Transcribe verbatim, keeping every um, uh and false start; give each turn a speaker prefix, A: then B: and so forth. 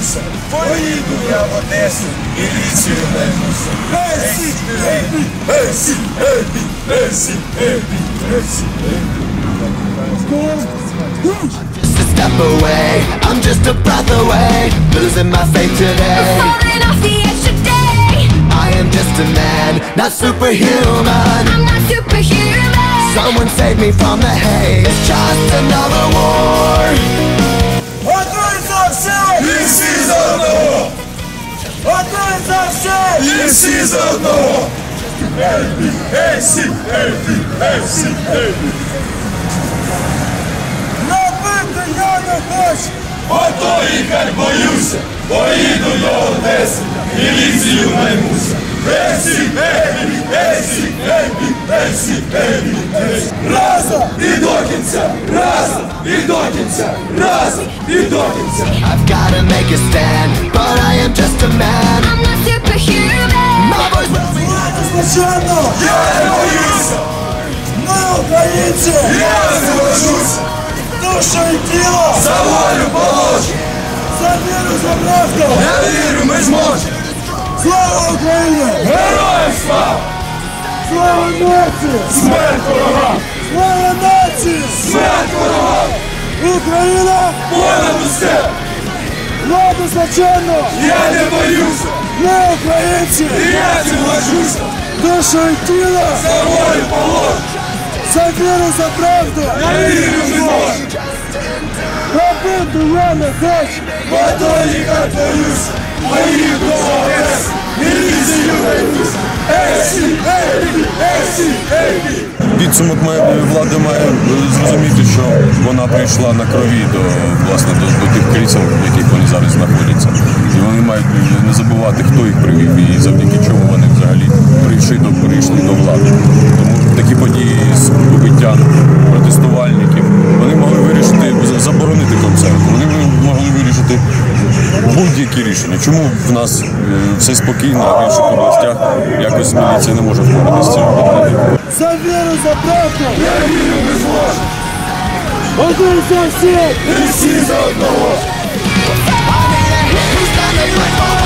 A: боюся, поїду я в Одесу, міліцію наймуся. Есі, ебі, есі, ебі, есі, ебі, есі, ебі.
B: Just a step away, I'm just a breath away, losing my faith today.
C: I'm falling off the edge today.
B: I am just a man, not superhuman.
C: I'm not superhuman.
B: Someone save me from the haze. It's just another war.
A: Готуйся все! І всі за одного! Готуйся все! І всі за одного! Ебі, есі, ебі, есі, ебі. Набити я не хочу! Ото їхать боюся, поїду до Одеси, міліцію наймуся. Есі, ебі, есі, ебі, есі, ебі, есі. Разом і до кінця, разом і до кінця, разом і до кінця.
B: I've gotta make a stand, but I am just a man.
C: I'm not superhuman.
B: My voice will be
A: Звичайно, я не боюся. Ми українці, я не боюся. Душу і тіло за волю положу. За віру, за правду. Я вірю, ми зможемо. Слава Україні! Героям слава! Слава нації! Смерть ворогам! Слава нації! Смерть ворогам! Україна! Понад усе! Владу злочинну! Я не боюся! Ми українці! Я не боюся! Душу і тіло за волю положу! За віру, за правду! Я вірю, ми зможемо! Робити я не хочу! Ото їхать боюся! Поїду до Одеси! Міліцію наймуся! Есі, ебі, есі, ебі!
D: Підсумок має, влада має зрозуміти, що вона прийшла на крові до, власне, до, до тих крісел, в яких вони зараз знаходяться. І вони мають не забувати, хто їх привів і завдяки чому вони взагалі прийшли до, прийшли до влади. Тому такі події з побиттям протестувальників, вони могли вирішити, заборонити концерт, вони могли вирішити будь-які рішення. Чому в нас все спокійно, а в інших областях якось міліція не може впоратися з цим проблемою?
A: За віру, за правду! Я вірю, ми зможемо! Готуйся всі! І всі за одного!
B: I need a hit who's gonna fight for